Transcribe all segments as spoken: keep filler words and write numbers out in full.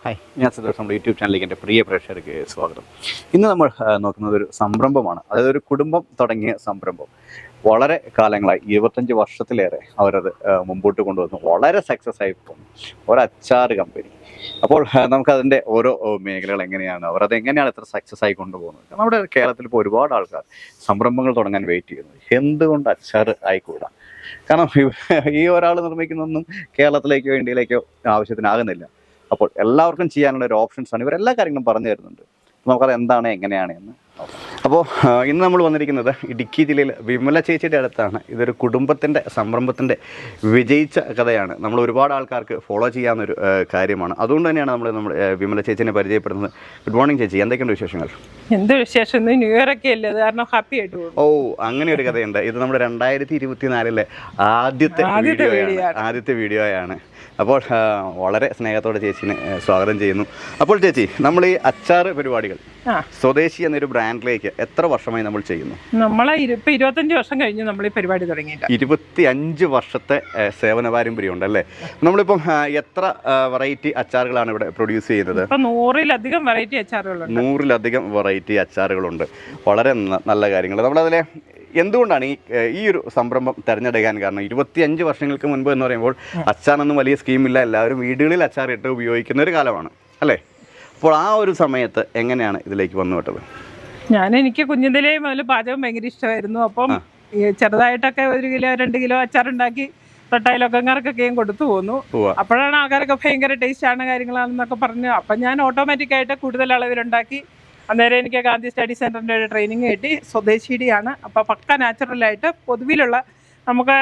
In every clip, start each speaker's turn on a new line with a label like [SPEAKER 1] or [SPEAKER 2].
[SPEAKER 1] Hi, ഞാൻ സന്തോഷം. നമ്മുടെ യൂട്യൂബ് ചാനലിലേക്ക് എൻ്റെ പ്രിയ പ്രേക്ഷകർക്ക് സ്വാഗതം. ഇന്ന് നമ്മൾ നോക്കുന്നത് ഒരു സംരംഭമാണ്. അതായത് ഒരു കുടുംബം തുടങ്ങിയ സംരംഭം. വളരെ കാലങ്ങളായി, ഇരുപത്തഞ്ച് വർഷത്തിലേറെ അവരത് മുമ്പോട്ട് കൊണ്ടുവന്നു. വളരെ സക്സസ് ആയി പോകുന്നു ഒരു അച്ചാർ കമ്പനി. അപ്പോൾ നമുക്കതിൻ്റെ ഓരോ മേഖലകൾ എങ്ങനെയാണ്, അവർ അത് എങ്ങനെയാണ് ഇത്ര സക്സസ് ആയി കൊണ്ടുപോകുന്നത്. നമ്മുടെ കേരളത്തിൽ ഇപ്പോൾ ഒരുപാട് ആൾക്കാർ സംരംഭങ്ങൾ തുടങ്ങാൻ വെയിറ്റ് ചെയ്യുന്നു. എന്തുകൊണ്ട് അച്ചാർ ആയിക്കൂടാ? കാരണം ഈ ഒരാൾ നിർമ്മിക്കുന്നതൊന്നും കേരളത്തിലേക്കോ ഇന്ത്യയിലേക്കോ ആവശ്യത്തിനാകുന്നില്ല. അപ്പോൾ എല്ലാവർക്കും ചെയ്യാനുള്ള ഒരു ഓപ്ഷൻസാണ് ഇവരെല്ലാ കാര്യങ്ങളും പറഞ്ഞു തരുന്നുണ്ട്. നമുക്കത് എന്താണ് എങ്ങനെയാണ് എന്ന് നോക്കാം. അപ്പോൾ ഇന്ന് നമ്മൾ വന്നിരിക്കുന്നത് ഇടുക്കി ജില്ലയിൽ വിമല ചേച്ചിയുടെ അടുത്താണ്. ഇതൊരു കുടുംബത്തിൻ്റെ സംരംഭത്തിൻ്റെ വിജയിച്ച കഥയാണ്. നമ്മൾ ഒരുപാട് ആൾക്കാർക്ക് ഫോളോ ചെയ്യാവുന്നൊരു കാര്യമാണ്. അതുകൊണ്ട് തന്നെയാണ് നമ്മൾ നമ്മൾ വിമല ചേച്ചിനെ പരിചയപ്പെടുന്നത്. ഗുഡ് മോർണിംഗ് ചേച്ചി, എന്തൊക്കെയുണ്ട് വിശേഷങ്ങൾ?
[SPEAKER 2] എന്ത് വിശേഷം? ന്യൂ ഇയർ ഒക്കെ അല്ലേ, അത് കാരണം ഹാപ്പി ആയിട്ട് പോകും.
[SPEAKER 1] ഓ, അങ്ങനെ ഒരു കഥയുണ്ട്. ഇത് നമ്മുടെ രണ്ടായിരത്തി ഇരുപത്തി നാലിലെ ആദ്യത്തെ വീഡിയോയാണ് ആദ്യത്തെ വീഡിയോയാണ് അപ്പോൾ വളരെ സ്നേഹത്തോടെ ചേച്ചിനെ സ്വാഗതം ചെയ്യുന്നു. അപ്പോൾ ചേച്ചി, നമ്മൾ ഈ അച്ചാർ പരിപാടികൾ സ്വദേശി എന്നൊരു ബ്രാൻഡിലേക്ക് എത്ര വർഷമായി നമ്മൾ ചെയ്യുന്നു?
[SPEAKER 2] നമ്മളെ ഇപ്പൊ ഇരുപത്തഞ്ച് വർഷം കഴിഞ്ഞ് നമ്മൾ ഈ പരിപാടി തുടങ്ങിയിട്ട്
[SPEAKER 1] ഇരുപത്തി അഞ്ച് വർഷത്തെ സേവന പാരമ്പര്യം ഉണ്ടല്ലേ? നമ്മളിപ്പം എത്ര വെറൈറ്റി അച്ചാറുകളാണ് ഇവിടെ പ്രൊഡ്യൂസ് ചെയ്യുന്നത്?
[SPEAKER 2] ഇപ്പൊ നൂറിലധികം വെറൈറ്റി അച്ചാറുകളുണ്ട്.
[SPEAKER 1] നൂറിലധികം വെറൈറ്റി അച്ചാറുകളുണ്ട്. വളരെ നല്ല കാര്യങ്ങൾ. നമ്മളതിലെ എന്തുകൊണ്ടാണ് ഈ ഈ ഒരു സംരംഭം തിരഞ്ഞെടുക്കാൻ കാരണം? ഇരുപത്തിയഞ്ച് വർഷങ്ങൾക്ക് മുൻപ് എന്ന് പറയുമ്പോൾ അച്ചാറൊന്നും വലിയ സ്കീമില്ല, എല്ലാവരും വീടുകളിൽ അച്ചാർ ഇട്ട് ഉപയോഗിക്കുന്ന ഒരു കാലമാണ് അല്ലേ? അപ്പോൾ ആ ഒരു സമയത്ത് എങ്ങനെയാണ് ഇതിലേക്ക് വന്നു വിട്ടത്?
[SPEAKER 2] ഞാൻ എനിക്ക് കുഞ്ഞിതിലേ മുതൽ പാചകം ഭയങ്കര ഇഷ്ടമായിരുന്നു. അപ്പം ചെറുതായിട്ടൊക്കെ ഒരു കിലോ രണ്ട് കിലോ അച്ചാറുണ്ടാക്കി തൊട്ടായിലൊക്കങ്ങാർക്കൊക്കെയും കൊടുത്തു പോന്നു. അപ്പോഴാണ് ആൾക്കാരൊക്കെ ഭയങ്കര ടേസ്റ്റാണ് കാര്യങ്ങളാണെന്നൊക്കെ പറഞ്ഞു. അപ്പം ഞാൻ ഓട്ടോമാറ്റിക്കായിട്ട് കൂടുതൽ അളവിലുണ്ടാക്കി. അന്നേരം എനിക്ക് ഗാന്ധി സ്റ്റഡി സെൻറ്ററിൻ്റെ ഒരു ട്രെയിനിങ് കിട്ടി. സ്വദേശിയുടെയാണ്. അപ്പോൾ പക്ക നാച്ചുറലായിട്ട് പൊതുവിലുള്ള നമുക്ക്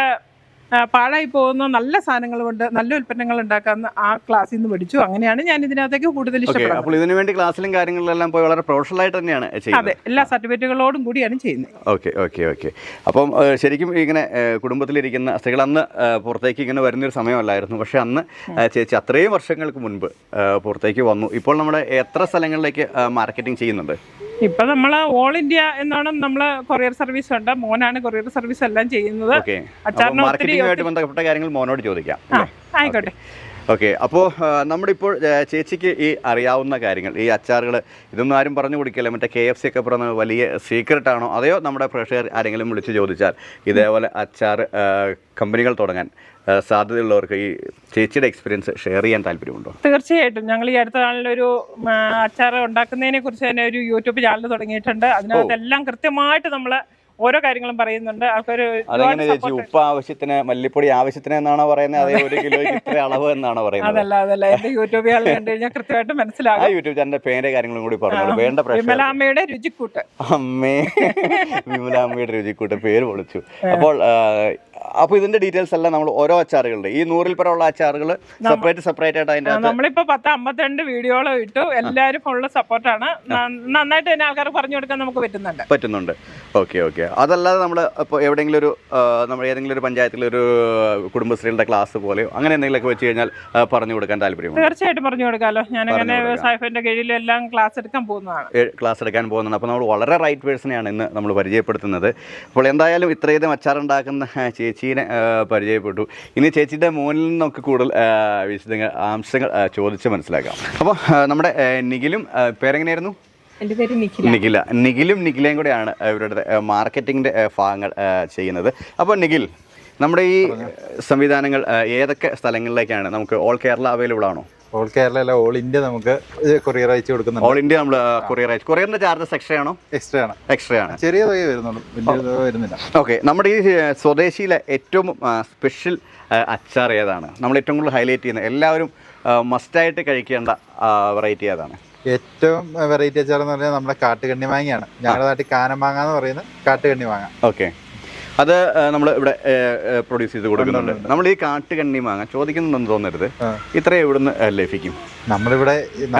[SPEAKER 2] പാഴായി പോകുന്ന നല്ല സാധനങ്ങൾ കൊണ്ട് നല്ല ഉൽപ്പന്നങ്ങൾ ഉണ്ടാക്കാമെന്ന് ആ ക്ലാസ്സിൽ നിന്ന് പഠിച്ചു. അങ്ങനെയാണ് ഞാൻ ഇതിനകത്തേക്ക് കൂടുതൽ ഇഷ്ടപ്പെടുന്നത്.
[SPEAKER 1] അപ്പോൾ ഇതിനു വേണ്ടി ക്ലാസ്സിലും കാര്യങ്ങളിലെല്ലാം പോയി വളരെ പ്രൊഫഷണൽ ആയിട്ട് തന്നെയാണ് ചെയ്യുന്നത്?
[SPEAKER 2] അതെ, എല്ലാ സർട്ടിഫിക്കറ്റുകളോടും കൂടിയാണ് ചെയ്യുന്നത്.
[SPEAKER 1] ഓക്കെ ഓക്കെ ഓക്കെ അപ്പം ശരിക്കും ഇങ്ങനെ കുടുംബത്തിലിരിക്കുന്ന സ്ത്രീകൾ അന്ന് പുറത്തേക്ക് ഇങ്ങനെ വരുന്നൊരു സമയമല്ലായിരുന്നു. പക്ഷെ അന്ന് ചേച്ചി അത്രയും വർഷങ്ങൾക്ക് മുൻപ് പുറത്തേക്ക് വന്നു. ഇപ്പോൾ നമ്മുടെ എത്ര സ്ഥലങ്ങളിലേക്ക് മാർക്കറ്റിംഗ് ചെയ്യുന്നുണ്ട്?
[SPEAKER 2] ഇപ്പൊ നമ്മള് ഓൾ ഇന്ത്യ എന്നാണ് നമ്മള് കൊറിയർ സർവീസ് ഉണ്ട്. മോനാണ് കൊറിയർ സർവീസ് എല്ലാം ചെയ്യുന്നത്.
[SPEAKER 1] മാർക്കറ്റിംഗുമായിട്ട് ബന്ധപ്പെട്ട കാര്യങ്ങൾ മോനോട് ചോദിക്കാം.
[SPEAKER 2] ആയിക്കോട്ടെ.
[SPEAKER 1] ഓക്കെ, അപ്പോൾ നമ്മുടെ ഇപ്പോൾ ചേച്ചിക്ക് ഈ അറിയാവുന്ന കാര്യങ്ങൾ, ഈ അച്ചാറുകൾ ഇതൊന്നും ആരും പറഞ്ഞു കൊടുക്കില്ല, മറ്റേ കെ എഫ് സി ഒക്കെ പറഞ്ഞ വലിയ സീക്രട്ട് ആണോ, അതെയോ നമ്മുടെ പ്രേക്ഷകർ ആരെങ്കിലും വിളിച്ച് ചോദിച്ചാൽ ഇതേപോലെ അച്ചാർ കമ്പനികൾ തുടങ്ങാൻ സാധ്യതയുള്ളവർക്ക് ഈ ചേച്ചിയുടെ എക്സ്പീരിയൻസ് ഷെയർ ചെയ്യാൻ താല്പര്യമുണ്ടോ?
[SPEAKER 2] തീർച്ചയായിട്ടും. ഞങ്ങൾ ഈ അടുത്ത നാളിലൊരു അച്ചാർ ഉണ്ടാക്കുന്നതിനെ കുറിച്ച് തന്നെ ഒരു യൂട്യൂബ് ചാനൽ തുടങ്ങിയിട്ടുണ്ട്. അതിനകത്തെല്ലാം കൃത്യമായിട്ട് നമ്മൾ ഓരോ കാര്യങ്ങളും പറയുന്നുണ്ട്. ആൾക്കാർ
[SPEAKER 1] ഉപ്പ് ആവശ്യത്തിന്, മല്ലിപ്പൊടി ആവശ്യത്തിന് എന്നാണോ പറയുന്നത്, അതേ ഒരു കിലോയ്ക്ക് ഇത്ര അളവ് എന്നാണോ പറയുന്നത്?
[SPEAKER 2] അതല്ല അതല്ല എന്റെ യൂട്യൂബ് ചാനൽ കണ്ടു കഴിഞ്ഞാൽ കൃത്യമായിട്ട് മനസ്സിലാകും.
[SPEAKER 1] യൂട്യൂബ് ചാനലിന്റെ പേര് കാര്യങ്ങളും കൂടി പറഞ്ഞു. വേണ്ട
[SPEAKER 2] വിമലാമ്മയുടെ രുചിക്കൂട്ട്.
[SPEAKER 1] അമ്മേ, വിമലാമ്മയുടെ രുചിക്കൂട്ട് പേര് പൊളിച്ചു. അപ്പോൾ അപ്പോൾ ഇതിന്റെ ഡീറ്റെയിൽസ് എല്ലാം നമ്മൾ ഓരോ അച്ചാറുകളുടെ ഈ നൂറിൽ പരമുള്ള അച്ചാറുകൾ സെപ്പറേറ്റ് സെപ്പറേറ്റ് ആയിട്ട് അതിന്റെ
[SPEAKER 2] നമ്മളിപ്പോ പത്ത് അമ്പത്തിരണ്ട് വീഡിയോകൾ ഇട്ടു. എല്ലാവരും ഫുള്ള് സപ്പോർട്ടാണ്. നന്നായിട്ട് തന്നെ ആൾക്കാർ പറഞ്ഞു കൊടുക്കാൻ നമുക്ക് പറ്റുന്നുണ്ട്
[SPEAKER 1] പറ്റുന്നുണ്ട് ഓക്കെ ഓക്കെ അതല്ലാതെ നമ്മൾ ഇപ്പോൾ എവിടെയെങ്കിലും ഒരു നമ്മൾ ഏതെങ്കിലും ഒരു പഞ്ചായത്തിലൊരു കുടുംബശ്രീകളുടെ ക്ലാസ് പോലെയോ അങ്ങനെ എന്തെങ്കിലുമൊക്കെ വെച്ച് കഴിഞ്ഞാൽ പറഞ്ഞു കൊടുക്കാൻ താല്പര്യമുണ്ട്?
[SPEAKER 2] തീർച്ചയായിട്ടും പറഞ്ഞു കൊടുക്കാമല്ലോ. ഞാൻ അങ്ങനെ സായിഫിന്റെ കീഴിലെല്ലാം ക്ലാസ് എടുക്കാൻ പോകുന്നതാണ്
[SPEAKER 1] ക്ലാസ് എടുക്കാൻ പോകുന്നതാണ് അപ്പോൾ നമ്മൾ വളരെ റൈറ്റ് പേഴ്സണെയാണ് ഇന്ന് നമ്മൾ പരിചയപ്പെടുത്തുന്നത്. അപ്പോൾ എന്തായാലും ഇത്രയധികം അച്ചാറുണ്ടാക്കുന്ന ചേച്ചീനെ പരിചയപ്പെട്ടു. ഇനി ചേച്ചിയുടെ മോനിൽ നിന്നൊക്കെ കൂടുതൽ വിശദങ്ങൾ അംശങ്ങൾ ചോദിച്ച് മനസ്സിലാക്കാം. അപ്പോൾ നമ്മുടെ നിഖിലും, പേരെങ്ങനെയായിരുന്നു?
[SPEAKER 2] എൻ്റെ പേര് നിഖില.
[SPEAKER 1] നിഖില നിഖിലും നിഖിലയും കൂടെയാണ് ഇവരുടെ മാർക്കറ്റിങ്ങിൻ്റെ ഭാഗങ്ങൾ ചെയ്യുന്നത്. അപ്പോൾ നിഖിൽ, നമ്മുടെ ഈ സംവിധാനങ്ങൾ ഏതൊക്കെ സ്ഥലങ്ങളിലേക്കാണ്? നമുക്ക് ഓൾ കേരള അവൈലബിൾ ആണോ?
[SPEAKER 3] ഓൾ കേരള അല്ല, ഓൾ ഇന്ത്യ നമുക്ക് കൊറിയർ അയച്ചു കൊടുക്കുന്നുണ്ട്.
[SPEAKER 1] ഓൾ ഇന്ത്യ നമ്മൾ കൊറിയർ അയച്ചു. കൊറിയറിന്റെ ചാർജസ് എക്സ്ട്രാ ആണോ?
[SPEAKER 3] എക്സ്ട്രാ ആണ്.
[SPEAKER 1] എക്സ്ട്രാ ആണ്.
[SPEAKER 3] ചെറിയ തുക വരുന്നുള്ളൂ, വലിയ തുക വരുന്നില്ല.
[SPEAKER 1] ഓക്കെ, നമ്മുടെ ഈ സ്വദേശിയിലെ ഏറ്റവും സ്പെഷ്യൽ അച്ചാർ ഏതാണ്? നമ്മൾ ഏറ്റവും കൂടുതൽ ഹൈലൈറ്റ് ചെയ്യുന്നത്, എല്ലാവരും മസ്റ്റായിട്ട് കഴിക്കേണ്ട വെറൈറ്റി ഏതാണ്?
[SPEAKER 3] ഏറ്റവും വെറൈറ്റി അച്ചാർ എന്ന് പറഞ്ഞാൽ നമ്മുടെ കാട്ടുകണ്ണി മാങ്ങയാണ്. ഞങ്ങളുടെ നാട്ടിൽ കാനമാങ്ങ എന്ന് പറയുന്നത് കാട്ടുകണ്ണി മാങ്ങ.
[SPEAKER 1] ഓക്കെ, അത് നമ്മൾ ഇവിടെ പ്രൊഡ്യൂസ് ചെയ്ത് കൊടുക്കുന്നുണ്ട്. നമ്മൾ ഈ കാട്ടുകണ്ണി മാങ്ങ ചോദിക്കുന്നുണ്ടെന്ന് തോന്നരുത്, ഇത്രയും ഇവിടുന്ന് ലഭിക്കും?
[SPEAKER 3] നമ്മളിവിടെ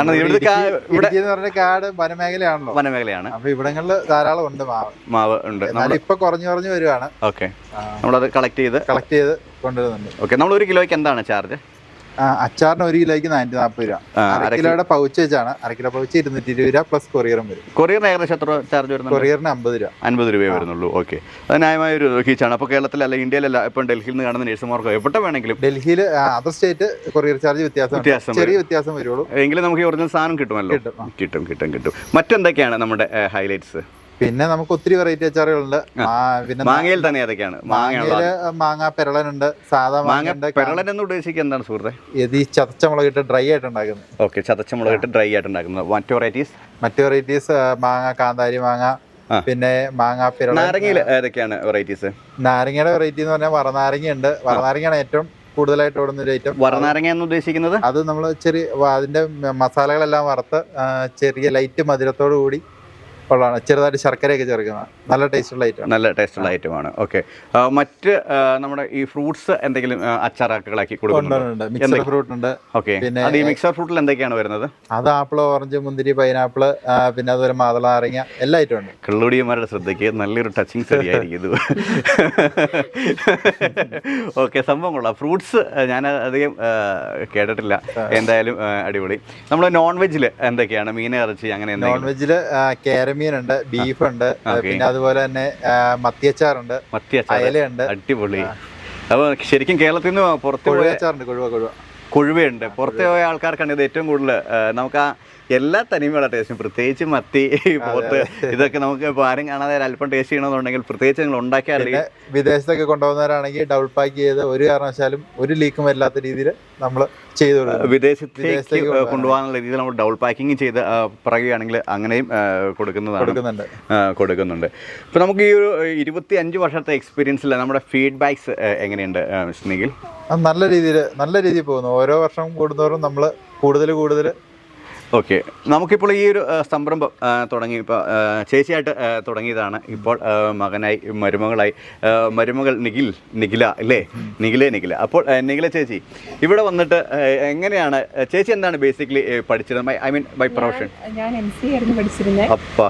[SPEAKER 3] കാട് വനമേഖലയാണല്ലോ.
[SPEAKER 1] വനമേഖലയാണ്.
[SPEAKER 3] അപ്പൊ ഇവിടങ്ങളിൽ ധാരാളം ഉണ്ട് മാവ്
[SPEAKER 1] മാവ് ഉണ്ട്.
[SPEAKER 3] ഇപ്പൊ കുറഞ്ഞു കുറഞ്ഞു വരുവാണ്.
[SPEAKER 1] ഓക്കെ, നമ്മളത് കളക്ട് ചെയ്ത്
[SPEAKER 3] കളക്ട് ചെയ്ത് കൊണ്ടുവരുന്നുണ്ട്.
[SPEAKER 1] ഓക്കെ, നമ്മൾ ഒരു കിലോയ്ക്ക് എന്താണ് ചാർജ്?
[SPEAKER 3] അച്ചാറിന് ഒരു കിലോയ്ക്ക് നാനൂറ്റി നാൽപ്പത് രൂപ. അര കിലോയുടെ പൗച്ച് വെച്ചാണ്. അര കിലോ പൗച്ച് ഇരുന്നൂറ്റി ഇരുപത് രൂപ പ്ലസ് കൊറിയറും വരും.
[SPEAKER 1] കൊറിയറിന് ഏകദേശം എത്ര ചാർജ് വരുന്നത്?
[SPEAKER 3] കൊറിയറിന് അമ്പത് രൂപ
[SPEAKER 1] അൻപത് രൂപയെ വരുന്നുള്ളൂ. ഓക്കെ, അത് ന്യായമായ ഒരു ഫീച്ചാണ്. അപ്പോൾ കേരളത്തിലല്ല ഇന്ത്യയിലല്ല ഇപ്പം ഡൽഹിയിൽ നിന്ന് കാണുന്ന നഴ്സുമാർക്കോ എവിടെ വേണമെങ്കിലും
[SPEAKER 3] ഡൽഹിയിൽ അതർ സ്റ്റേറ്റ് കൊറിയർ ചാർജ് വ്യത്യാസം
[SPEAKER 1] വ്യത്യാസം
[SPEAKER 3] ചെറിയ വ്യത്യാസം വരുള്ളൂ.
[SPEAKER 1] എങ്കിലും നമുക്ക് ഈ ഒറിജിനൽ സാധനം കിട്ടുമല്ലോ. കിട്ടും കിട്ടും കിട്ടും. മറ്റെന്തൊക്കെയാണ് നമ്മുടെ ഹൈലൈറ്റ്സ്?
[SPEAKER 3] പിന്നെ നമുക്ക് ഒത്തിരി വെറൈറ്റി അച്ചാറുകളുണ്ട്. പിന്നെ
[SPEAKER 1] മാങ്ങയിൽ തന്നെ ഏതൊക്കെയാണ്?
[SPEAKER 3] മാങ്ങയില് മാങ്ങ പെരളനുണ്ട്, സാധാ മാങ്ങ.
[SPEAKER 1] പെരളൻ എന്ന് ഉദ്ദേശിക്കുക എന്താണ് സുഹൃത്തെ?
[SPEAKER 3] ഇത് ഈ ചതച്ച മുളകിട്ട് ഡ്രൈ ആയിട്ട് ഉണ്ടാക്കുന്നത്.
[SPEAKER 1] ഓക്കെ, ചതച്ച മുളകിട്ട് ഡ്രൈ ആയിട്ട് ഉണ്ടാക്കുന്നത്. മറ്റു വെറൈറ്റീസ്
[SPEAKER 3] മറ്റു വെറൈറ്റീസ് മാങ്ങ കാന്താരി മാങ്ങ, പിന്നെ മാങ്ങ പെരളൻ.
[SPEAKER 1] നാരങ്ങയിൽ ഏതൊക്കെയാണ് വെറൈറ്റീസ്?
[SPEAKER 3] നാരങ്ങയുടെ വെറൈറ്റി എന്ന് പറഞ്ഞാൽ വറനാരങ്ങ ഉണ്ട്. വറനാരങ്ങയാണ് ഏറ്റവും കൂടുതലായിട്ട് ഓടുന്ന ഒരു ഐറ്റം.
[SPEAKER 1] വറനാരങ്ങ എന്ന് ഉദ്ദേശിക്കുന്നത്
[SPEAKER 3] അത് നമ്മൾ ചെറിയ അതിന്റെ മസാലകളെല്ലാം വറുത്ത് ചെറിയ ലൈറ്റ് മധുരത്തോടു കൂടി ഉള്ളതാണ്. ചെറുതായിട്ട് ശർക്കരയൊക്കെ ചേർക്കുന്നത് നല്ല ടേസ്റ്റുള്ള ഐറ്റം.
[SPEAKER 1] നല്ല ടേസ്റ്റുള്ള ഐറ്റമാണ്. ഓക്കെ, മറ്റ് നമ്മുടെ ഈ ഫ്രൂട്ട്സ് എന്തെങ്കിലും അച്ചാറാക്കുകളാക്കി കൊടുക്കുന്നുണ്ട്?
[SPEAKER 3] മിക്സർ ഫ്രൂട്ട് ഉണ്ട്.
[SPEAKER 1] ഓക്കെ, പിന്നെ ഈ മിക്സർ ഫ്രൂട്ടിൽ എന്തൊക്കെയാണ് വരുന്നത്?
[SPEAKER 3] അത് ആപ്പിൾ, ഓറഞ്ച്, മുന്തിരി, പൈനാപ്പിള്, പിന്നെ അതുപോലെ മാതള നാരങ്ങ എല്ലാ ഐറ്റം ഉണ്ട്.
[SPEAKER 1] കള്ളുടിയന്മാരുടെ ശ്രദ്ധയ്ക്ക് നല്ലൊരു ടച്ചിങ് ശരിയായിരിക്കും ഇത്. ഓക്കെ, സംഭവം കൊള്ളാം. ഫ്രൂട്ട്സ് ഞാൻ അധികം കേട്ടിട്ടില്ല. എന്തായാലും അടിപൊളി. നമ്മൾ നോൺ വെജിൽ എന്തൊക്കെയാണ്? മീൻ, ഇറച്ചി അങ്ങനെ?
[SPEAKER 3] നോൺ വെജില് കേരമീനുണ്ട്, ബീഫ് ഉണ്ട്, പിന്നെ അതുപോലെ തന്നെ മത്തിയച്ചാറുണ്ട്, അയലയുണ്ട്.
[SPEAKER 1] അടിപൊളി. അപ്പോൾ ശരിക്കും കേരളത്തിൽ നിന്ന് പുറത്ത്
[SPEAKER 3] കൊഴുവച്ചാറുണ്ട്. കൊഴുവ കൊഴുവ
[SPEAKER 1] കൊഴുവയുണ്ട്. പുറത്ത് പോയ ആൾക്കാർക്കാണ് ഇത് ഏറ്റവും കൂടുതൽ നമുക്ക് ആ എല്ലാ തനിമയുള്ള ടേസ്റ്റും, പ്രത്യേകിച്ച് മത്തി, പോത്ത്, ഇതൊക്കെ നമുക്ക് ഇപ്പോൾ ആരും കാണാതെ അല്പം ടേസ്റ്റ് ചെയ്യണമെന്നുണ്ടെങ്കിൽ പ്രത്യേകിച്ച് നിങ്ങൾ ഉണ്ടാക്കിയാറില്ല.
[SPEAKER 3] വിദേശത്തൊക്കെ കൊണ്ടുപോകുന്നവരാണെങ്കിൽ ഡബിൾ പാക്ക് ചെയ്ത് ഒരു കാരണവശാലും ഒരു ലീക്കും വരില്ലാത്ത രീതിയിൽ നമ്മൾ ചെയ്തു കൊടുക്കും.
[SPEAKER 1] വിദേശത്തേക്ക് കൊണ്ടുപോകാനുള്ള രീതിയിൽ നമ്മൾ ഡബിൾ പാക്കിങ് ചെയ്ത് പറയുകയാണെങ്കിൽ അങ്ങനെയും കൊടുക്കുന്നതാണ് കൊടുക്കുന്നുണ്ട്. ഇപ്പോൾ നമുക്ക് ഈ ഒരു ഇരുപത്തി അഞ്ച് വർഷത്തെ എക്സ്പീരിയൻസിൽ നമ്മുടെ ഫീഡ്ബാക്സ് എങ്ങനെയുണ്ട് മിസ്റ്റർ നിഖിൽ?
[SPEAKER 3] നല്ല രീതിയിൽ നല്ല രീതിയിൽ പോകുന്നു. ഓരോ വർഷം കൂടുന്നവരും നമ്മൾ കൂടുതൽ കൂടുതൽ.
[SPEAKER 1] ഓക്കെ, നമുക്കിപ്പോൾ ഈ ഒരു സംരംഭം തുടങ്ങി ഇപ്പോൾ ചേച്ചിയായിട്ട് തുടങ്ങിയതാണ്. ഇപ്പോൾ മകനായി, മരുമകളായി, മരുമകൾ നിഖിൽ നിഖില അല്ലേ? നിഖിലേ നിഖില. അപ്പോൾ നിഖില ചേച്ചി ഇവിടെ വന്നിട്ട് എങ്ങനെയാണ് ചേച്ചി എന്താണ് ബേസിക്കലി പഠിച്ചത്? I mean by profession?
[SPEAKER 4] ഞാൻ എം സി ആയിരുന്നു പഠിച്ചിരുന്നത്.
[SPEAKER 1] അപ്പാ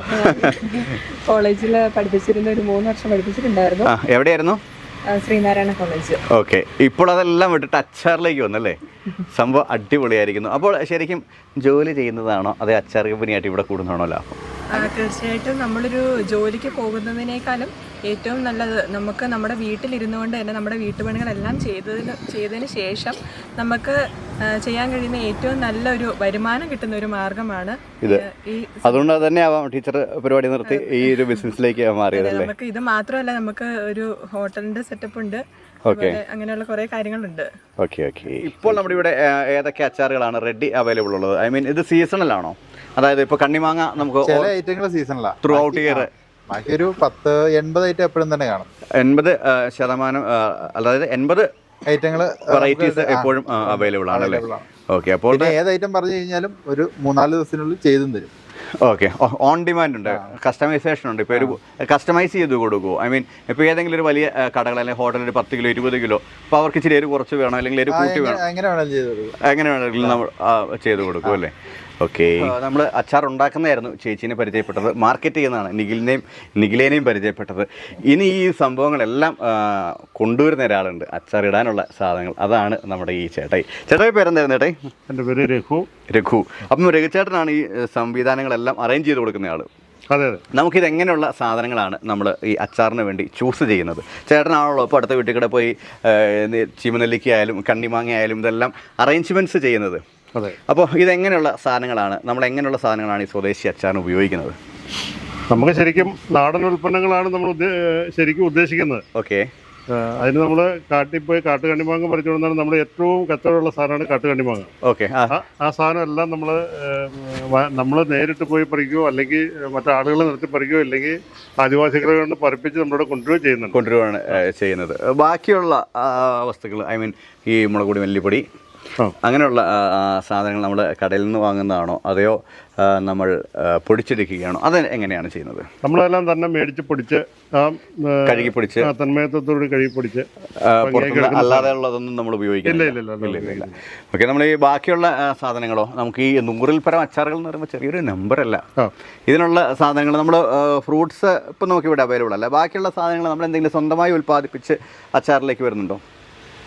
[SPEAKER 4] കോളേജിൽ പഠിപ്പിച്ചിരുന്ന ഒരു മൂന്ന് വർഷം പഠിപ്പിച്ചിട്ടുണ്ടായിരുന്നു.
[SPEAKER 1] എവിടെയായിരുന്നു?
[SPEAKER 4] ശ്രീനാരായണ കോളേജ്.
[SPEAKER 1] ഓക്കെ, ഇപ്പോൾ അതെല്ലാം വിട്ടിട്ട് അച്ചാറിലേക്ക് വന്നല്ലേ? സംഭവം അടിപൊളിയായിരിക്കുന്നു. അപ്പോൾ ശരിക്കും ജോലി ചെയ്യുന്നതാണോ അതേ അച്ചാർ കമ്പനിയായിട്ട് ഇവിടെ കൂടുന്നതാണോ ലാഭം?
[SPEAKER 4] തീർച്ചയായിട്ടും നമ്മളൊരു ജോലിക്ക് പോകുന്നതിനേക്കാളും ഏറ്റവും നല്ലത് നമുക്ക് നമ്മുടെ വീട്ടിലിരുന്നു കൊണ്ട് തന്നെ നമ്മുടെ വീട്ടുപണികളെല്ലാം ചെയ്തതിന് ചെയ്തതിന് ശേഷം നമുക്ക് ചെയ്യാൻ കഴിയുന്ന ഏറ്റവും നല്ലൊരു വരുമാനം കിട്ടുന്ന ഒരു മാർഗമാണ്
[SPEAKER 1] ഇത്. അതുകൊണ്ട് തന്നെ ആവാം ടീച്ചർ പരിപാടി നിർത്തി ഈ ഒരു ബിസിനസ്സിലേക്ക് മാറിയതല്ലേ?
[SPEAKER 4] നമുക്ക് ഇത് മാത്രമല്ല, നമുക്ക് ഒരു ഹോട്ടലിന്റെ സെറ്റപ്പ് ഉണ്ട്, അങ്ങനെയുള്ള കുറെ കാര്യങ്ങളുണ്ട്.
[SPEAKER 1] Okay okay. ഇപ്പോൾ നമ്മുടെ ഇവിടെ ഏതൊക്കെ അച്ചാറുകളാണ് റെഡി അവൈലബിൾ ഉള്ളത്? ഐ മീൻ ഇത് സീസണലാണോ? അതായത് ഇപ്പൊ കണ്ണിമാങ്ങ നമുക്ക്
[SPEAKER 3] ചില ഐറ്റങ്ങൾ സീസണലാ,
[SPEAKER 1] ത്രൂ ഔട്ട് ഇയർ.
[SPEAKER 3] ബാക്കി ഒരു പത്ത് എൺപത് ഐറ്റം എപ്പോഴും തന്നെ കാണും.
[SPEAKER 1] എൺപത് ശതമാനം അതായത് എൺപത്
[SPEAKER 3] ഐറ്റങ്ങൾ
[SPEAKER 1] വെറൈറ്റീസ് എപ്പോഴും അവൈലബിൾ ആണല്ലേ? ഓക്കെ, അപ്പോൾ
[SPEAKER 3] ഏത് ഐറ്റം പറഞ്ഞു കഴിഞ്ഞാലും ഒരു മൂന്നാല് ദിവസത്തിനുള്ളിൽ ചെയ്തും തരും.
[SPEAKER 1] ഓക്കെ, ഓൺ ഡിമാൻഡ് ഉണ്ട്, കസ്റ്റമൈസേഷൻ ഉണ്ട്. ഇപ്പോൾ ഒരു കസ്റ്റമൈസ് ചെയ്ത് കൊടുക്കുമോ? ഐ മീൻ ഇപ്പോൾ ഏതെങ്കിലും ഒരു വലിയ കടകൾ അല്ലെങ്കിൽ ഹോട്ടലിൽ ഒരു പത്ത് കിലോ ഇരുപത് കിലോ അപ്പോൾ അവർക്ക് ഇച്ചിരി എരിവ് കുറച്ച് വേണം അല്ലെങ്കിൽ എരിവ് കൂട്ടി വേണം,
[SPEAKER 3] എങ്ങനെ വേണമെങ്കിലും
[SPEAKER 1] എങ്ങനെ വേണമെങ്കിലും നമ്മൾ ചെയ്ത് കൊടുക്കും അല്ലേ? ഓക്കെ, നമ്മൾ അച്ചാർ ഉണ്ടാക്കുന്നതായിരുന്നു ചേച്ചീനെ പരിചയപ്പെട്ടത്, മാർക്കറ്റ് ചെയ്യുന്നതാണ് നിഖിലിനെയും നിഖിലേനെയും പരിചയപ്പെട്ടത്. ഇനി ഈ സംഭവങ്ങളെല്ലാം കൊണ്ടുവരുന്ന ഒരാളുണ്ട്, അച്ചാർ ഇടാനുള്ള സാധനങ്ങൾ. അതാണ് നമ്മുടെ ഈ ചേട്ടായി. ചേട്ടായി പേരെന്തായിരുന്നു ചേട്ടായി?
[SPEAKER 5] എൻ്റെ പേര് രഘു.
[SPEAKER 1] രഘു. അപ്പം രഘുചേട്ടനാണ് ഈ സംവിധാനങ്ങളെല്ലാം അറേഞ്ച് ചെയ്ത് കൊടുക്കുന്ന ആൾ.
[SPEAKER 5] അതെ അതെ.
[SPEAKER 1] നമുക്കിത് എങ്ങനെയുള്ള സാധനങ്ങളാണ് നമ്മൾ ഈ അച്ചാറിന് വേണ്ടി ചൂസ് ചെയ്യുന്നത്? ചേട്ടനാണല്ലോ ഇപ്പോൾ അടുത്ത വീട്ടിൽ കൂടെ പോയി ചീമനെല്ലിക്ക ആയാലും കണ്ണിമാങ്ങ ആയാലും ഇതെല്ലാം അറേഞ്ച്മെൻറ്റ്സ് ചെയ്യുന്നത്.
[SPEAKER 5] അതെ.
[SPEAKER 1] അപ്പോൾ ഇതെങ്ങനെയുള്ള സാധനങ്ങളാണ് നമ്മൾ എങ്ങനെയുള്ള സാധനങ്ങളാണ് ഈ സ്വദേശി അച്ചാറിന് ഉപയോഗിക്കുന്നത്?
[SPEAKER 5] നമുക്ക് ശരിക്കും നാടൻ ഉൽപ്പന്നങ്ങളാണ് നമ്മൾ ശരിക്കും ഉദ്ദേശിക്കുന്നത്.
[SPEAKER 1] ഓക്കെ,
[SPEAKER 5] അതിന് നമ്മൾ കാട്ടിൽ പോയി കാട്ടുകണ്ണിമാങ്ങ പറിച്ചു കൊണ്ടാണ് നമ്മൾ ഏറ്റവും കച്ചവടമുള്ള സാധനമാണ് കാട്ടുകണ്ണിമാങ്ങ.
[SPEAKER 1] ഓക്കെ,
[SPEAKER 5] ആ സാധനം എല്ലാം നമ്മൾ നമ്മൾ നേരിട്ട് പോയി പറിക്കുകയോ അല്ലെങ്കിൽ മറ്റാളുകളെ നിർത്തി പറിക്കുകയോ അല്ലെങ്കിൽ ആദിവാസികളെ കൊണ്ട് പറിപ്പിച്ച് നമ്മളിവിടെ കൊണ്ടുവരികയോ ചെയ്യുന്നുണ്ട്
[SPEAKER 1] കൊണ്ടുവരികയാണ് ചെയ്യുന്നത്. ബാക്കിയുള്ള വസ്തുക്കൾ ഐ മീൻ ഈ മുളകുപൊടി, മല്ലിപ്പൊടി അങ്ങനെയുള്ള സാധനങ്ങൾ നമ്മൾ കടയിൽ നിന്ന് വാങ്ങുന്നതാണോ അതെയോ നമ്മൾ പൊടിച്ചെടുക്കുകയാണോ? അത് എങ്ങനെയാണ് ചെയ്യുന്നത്?
[SPEAKER 5] നമ്മളെല്ലാം തന്നെ മേടിച്ച് പൊടിച്ച്
[SPEAKER 1] കഴുകി പൊടിച്ച്
[SPEAKER 5] തന്മയത്തോടുകൂടി കഴുകി പൊടിച്ച്
[SPEAKER 1] അല്ലാതെ ഉള്ളതൊന്നും നമ്മൾ ഉപയോഗിക്കുന്നില്ല. ഓക്കെ, നമ്മൾ ഈ ബാക്കിയുള്ള സാധനങ്ങളോ? നമുക്ക് ഈ നൂറിൽ പരം അച്ചാറുകൾ എന്ന് പറയുമ്പോൾ ചെറിയൊരു നമ്പറല്ല. ഇതിനുള്ള സാധനങ്ങൾ നമ്മൾ ഫ്രൂട്ട്സ് ഇപ്പം നമുക്ക് ഇവിടെ അവൈലബിൾ അല്ല. ബാക്കിയുള്ള സാധനങ്ങൾ നമ്മൾ എന്തെങ്കിലും സ്വന്തമായി ഉൽപ്പാദിപ്പിച്ച് അച്ചാറിലേക്ക് വരുന്നുണ്ടോ?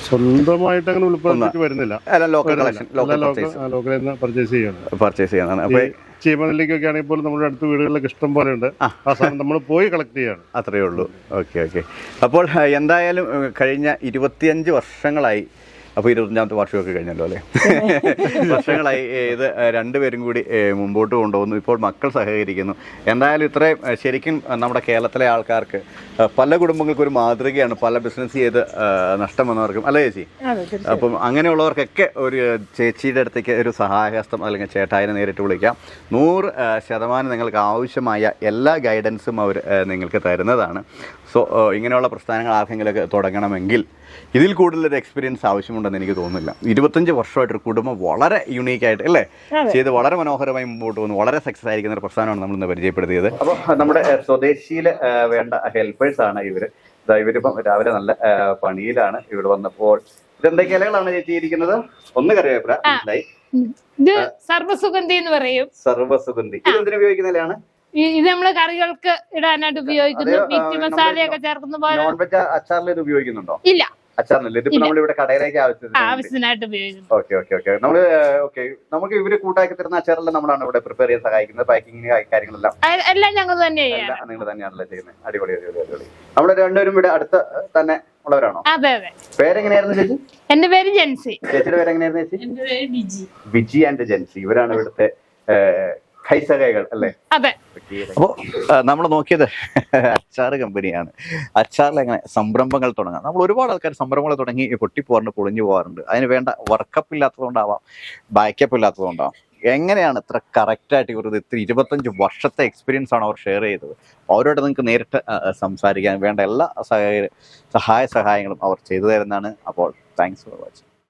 [SPEAKER 5] സ്വന്തമായിട്ട് അങ്ങനെ ഉൾപ്പെടുത്തിട്ട് വരുന്നില്ല,
[SPEAKER 1] അല്ല ലോക്കൽ കളക്ഷൻ ലോക്കൽ
[SPEAKER 5] ലോക്കലിൽ നിന്ന് പർച്ചേസ് ചെയ്യാണ്
[SPEAKER 1] പർച്ചേസ് ചെയ്യുന്നതാണ്. അപ്പോൾ
[SPEAKER 5] ചീമനെല്ലിക്കൊക്കെ ആണെങ്കിൽ പോലും നമ്മുടെ അടുത്ത വീടുകളിലൊക്കെ ഇഷ്ടം പോലെ ഉണ്ട്. ആ സാധനം നമ്മൾ പോയി കളക്ട് ചെയ്യാണ്.
[SPEAKER 1] അത്രയേ ഉള്ളൂ. Okay okay. അപ്പോൾ എന്തായാലും കഴിഞ്ഞ ഇരുപത്തിയഞ്ച് വർഷങ്ങളായി, അപ്പോൾ ഇരുപത്തഞ്ചാമത്തെ വർഷമൊക്കെ കഴിഞ്ഞല്ലോ അല്ലേ, വർഷങ്ങളായി ഇത് രണ്ടുപേരും കൂടി മുമ്പോട്ട് കൊണ്ടുപോകുന്നു. ഇപ്പോൾ മക്കൾ സഹകരിക്കുന്നു. എന്തായാലും ഇത്രയും ശരിക്കും നമ്മുടെ കേരളത്തിലെ ആൾക്കാർക്ക് പല കുടുംബങ്ങൾക്കും ഒരു മാതൃകയാണ്, പല ബിസിനസ് ചെയ്ത് നഷ്ടം വന്നവർക്കും അല്ലേ ചേച്ചി? അപ്പം അങ്ങനെയുള്ളവർക്കൊക്കെ ഒരു ചേച്ചിയുടെ അടുത്തേക്ക് ഒരു സഹായഹസ്തം അല്ലെങ്കിൽ ചേട്ടായിനെ നേരിട്ട് വിളിക്കാം. നൂറ് ശതമാനം നിങ്ങൾക്ക് ആവശ്യമായ എല്ലാ ഗൈഡൻസും അവർ നിങ്ങൾക്ക് തരുന്നതാണ്. സോ ഇങ്ങനെയുള്ള പ്രസ്ഥാനങ്ങൾ ആർക്കെങ്കിലുമൊക്കെ തുടങ്ങണമെങ്കിൽ ഇതിൽ കൂടുതലൊരു എക്സ്പീരിയൻസ് ആവശ്യമുണ്ടെന്ന് എനിക്ക് തോന്നുന്നില്ല. ഇരുപത്തഞ്ച് വർഷമായിട്ടൊരു കുടുംബം വളരെ യുണീക്കായിട്ട് അല്ലേ ചെയ്ത് വളരെ മനോഹരമായി മുമ്പോട്ട് പോകുന്നു, വളരെ സക്സസ് ആയിരിക്കുന്ന ഒരു പ്രസ്ഥാനമാണ് നമ്മളിന്ന് പരിചയപ്പെടുത്തിയത്. അപ്പോൾ നമ്മുടെ സ്വദേശിയിൽ വേണ്ട ഹെൽപ്പേഴ്സ് ആണ് ഇവർ. ഇവരിപ്പം രാവിലെ നല്ല പണിയിലാണ്. ഇവിടെ വന്നപ്പോൾ ഇതെന്തൊക്കെ ഇലകളാണ് ചേച്ചി ഇരിക്കുന്നത്? ഒന്ന് കറിവേപ്പില മനസ്സിലായി,
[SPEAKER 6] ഇത് സർവ്വസുഗന്ധി എന്ന് പറയും.
[SPEAKER 1] സർവ്വസുഗന്ധി ഇത് എന്തിനു ഉപയോഗിക്കുന്ന ഇലയാണ്?
[SPEAKER 6] ഇത് നമ്മള് കറികൾക്ക് ഇടാനായിട്ട് ഉപയോഗിക്കുന്നു. മീറ്റ് മസാലയൊക്കെ ചേർക്കുന്ന പോലെ.
[SPEAKER 1] നോൺ വെജ് അച്ചാറിൽ ഇത് ഉപയോഗിക്കുന്നുണ്ടോ?
[SPEAKER 6] ഇല്ല,
[SPEAKER 1] അച്ചാറിനല്ല. ഇതിപ്പോ നമ്മളിവിടെ കടയിലേക്ക്
[SPEAKER 6] ആവശ്യത്തിനായിട്ട് ഉപയോഗിക്കുന്നു.
[SPEAKER 1] Okay okay okay. നമ്മള് ഓക്കെ നമുക്ക് ഇവര് കൂട്ടാക്കി തരുന്ന അച്ചാറെല്ലാം നമ്മളാണ് ഇവിടെ പ്രിപ്പയർ ചെയ്യാൻ സഹായിക്കുന്നത്. പാക്കിങ് കാര്യങ്ങളെല്ലാം
[SPEAKER 6] എല്ലാം ഞങ്ങൾ തന്നെ
[SPEAKER 1] നിങ്ങൾ തന്നെയാണല്ലോ ചെയ്യുന്നത്. അടിപൊളി അടിപൊളി അടിപൊളി. നമ്മള് രണ്ടുപേരും ഇവിടെ അടുത്ത തന്നെ ഉള്ളവരാണോ?
[SPEAKER 6] അതെ അതെ.
[SPEAKER 1] പേരെങ്ങനെയായിരുന്നു ചേച്ചി?
[SPEAKER 6] എന്റെ പേര് ജെൻസി.
[SPEAKER 1] ചേച്ചിയുടെ പേരെങ്ങനെയായിരുന്നു ചേച്ചി?
[SPEAKER 6] എന്റെ പേര് ബിജി.
[SPEAKER 1] ബിജി ആൻഡ് ജെൻസി, ഇവരാണ് ഇവിടുത്തെ കൈസകകൾ അല്ലേ?
[SPEAKER 6] അതെ.
[SPEAKER 1] അപ്പോൾ നമ്മൾ നോക്കിയത് അച്ചാറ് കമ്പനിയാണ്. അച്ചാറിൽ എങ്ങനെ സംരംഭങ്ങൾ തുടങ്ങാം. നമ്മൾ ഒരുപാട് ആൾക്കാർ സംരംഭങ്ങൾ തുടങ്ങി പൊട്ടിപ്പോകാറുണ്ട്, പൊളിഞ്ഞു പോകാറുണ്ട്. അതിന് വേണ്ട വർക്കപ്പ് ഇല്ലാത്തതുകൊണ്ടാവാം, ബാക്കപ്പ് ഇല്ലാത്തതുകൊണ്ടാവാം. എങ്ങനെയാണ് ഇത്ര കറക്റ്റായിട്ട് ഇവർ ഇത്ര ഇരുപത്തഞ്ച് വർഷത്തെ എക്സ്പീരിയൻസ് ആണ് അവർ ഷെയർ ചെയ്തത്. അവരോട് നിങ്ങൾക്ക് നേരിട്ട് സംസാരിക്കാൻ വേണ്ട എല്ലാ സഹായ സഹായ സഹായങ്ങളും അവർ ചെയ്തു തരുന്നതാണ്. അപ്പോൾ താങ്ക്സ് ഫോർ വാച്ചിങ്.